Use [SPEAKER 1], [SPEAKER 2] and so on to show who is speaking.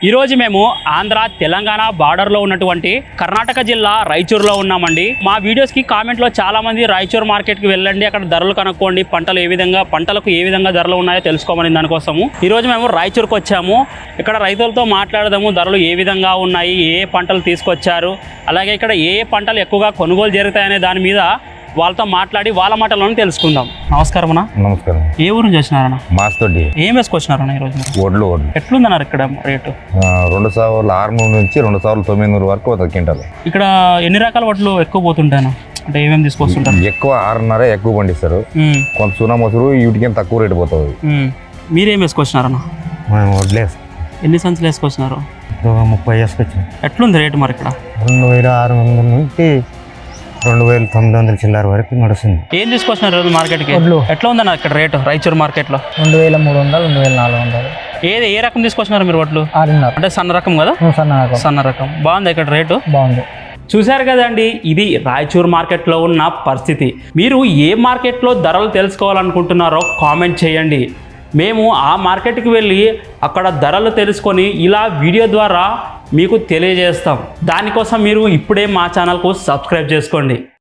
[SPEAKER 1] ఈరోజు మేము ఆంధ్ర తెలంగాణ బార్డర్లో ఉన్నటువంటి కర్ణాటక జిల్లా రాయచూరులో ఉన్నామండి. మా వీడియోస్కి కామెంట్లో చాలామంది రాయచూరు మార్కెట్కి వెళ్ళండి, అక్కడ ధరలు కనుక్కోండి, పంటలకు ఏ విధంగా ధరలు ఉన్నాయో తెలుసుకోమని దానికోసము ఈరోజు మేము రాయచూరుకు వచ్చాము. ఇక్కడ రైతులతో మాట్లాడదాము, ధరలు ఏ విధంగా ఉన్నాయి, ఏ పంటలు తీసుకొచ్చారు, అలాగే ఇక్కడ ఏ పంటలు ఎక్కువగా కొనుగోలు జరుగుతాయనే దాని మీద వాళ్ళతో మాట్లాడి వాళ్ళ మాటలను తెలుసుకుందాం. నమస్కారం అన్న.
[SPEAKER 2] నమస్కారం.
[SPEAKER 1] ఏ ఊరు నుంచి వచ్చినారన్న?
[SPEAKER 2] మాస్తోటి.
[SPEAKER 1] ఏం వేసుకొచ్చినారన్న ఈరోజు?
[SPEAKER 2] ఒడ్లు
[SPEAKER 1] ఎట్లుందన్నారు ఇక్కడ రేటు?
[SPEAKER 2] 2,600 నుంచి 2,900 వరకు ఒక క్వింటాలు.
[SPEAKER 1] ఇక్కడ ఎన్ని రకాల వడ్లు ఎక్కువ పోతుంటాను అంటే ఏమేమి తీసుకొస్తుంటారు?
[SPEAKER 2] ఎక్కువ 6.5 ఎక్కువ పండిస్తారు. కొంత సున్నా మొసరు వీటికి తక్కువ రేటు పోతుంది.
[SPEAKER 1] మీరేం వేసుకొచ్చినారన్న?
[SPEAKER 2] వడ్లేసి
[SPEAKER 1] ఎన్ని సంచులు వేసుకొచ్చినారు?
[SPEAKER 2] 30 వేసుకొచ్చాం.
[SPEAKER 1] ఎట్లుంది రేటు మరి ఇక్కడ?
[SPEAKER 2] 2,600 నుంచి 2,900 చిల్లర వరకు నడుస్తుంది.
[SPEAKER 1] ఏం తీసుకొచ్చినారు రోజు మార్కెట్కి? ఎట్లా ఉందన్న ఇక్కడ రేటు రాయచూరు మార్కెట్లో?
[SPEAKER 3] 2,300, 2,400.
[SPEAKER 1] ఏ రకం తీసుకొచ్చినారు మీరు వడ్లు?
[SPEAKER 3] 6.5
[SPEAKER 1] అంటే సన్న రకం కదా? సన్న రకం బాగుంది ఇక్కడ రేటు.
[SPEAKER 3] బాగుంది.
[SPEAKER 1] చూశారు కదండి, ఇది రాయచూరు మార్కెట్లో ఉన్న పరిస్థితి. మీరు ఏ మార్కెట్లో ధరలు తెలుసుకోవాలనుకుంటున్నారో కామెంట్ చేయండి. మేము ఆ మార్కెట్కి వెళ్ళి అక్కడ ధరలు తెలుసుకొని ఇలా వీడియో ద్వారా మీకు తెలియజేస్తాం. దానికోసం మీరు ఇప్పుడే మా ఛానల్కు సబ్స్క్రైబ్ చేసుకోండి.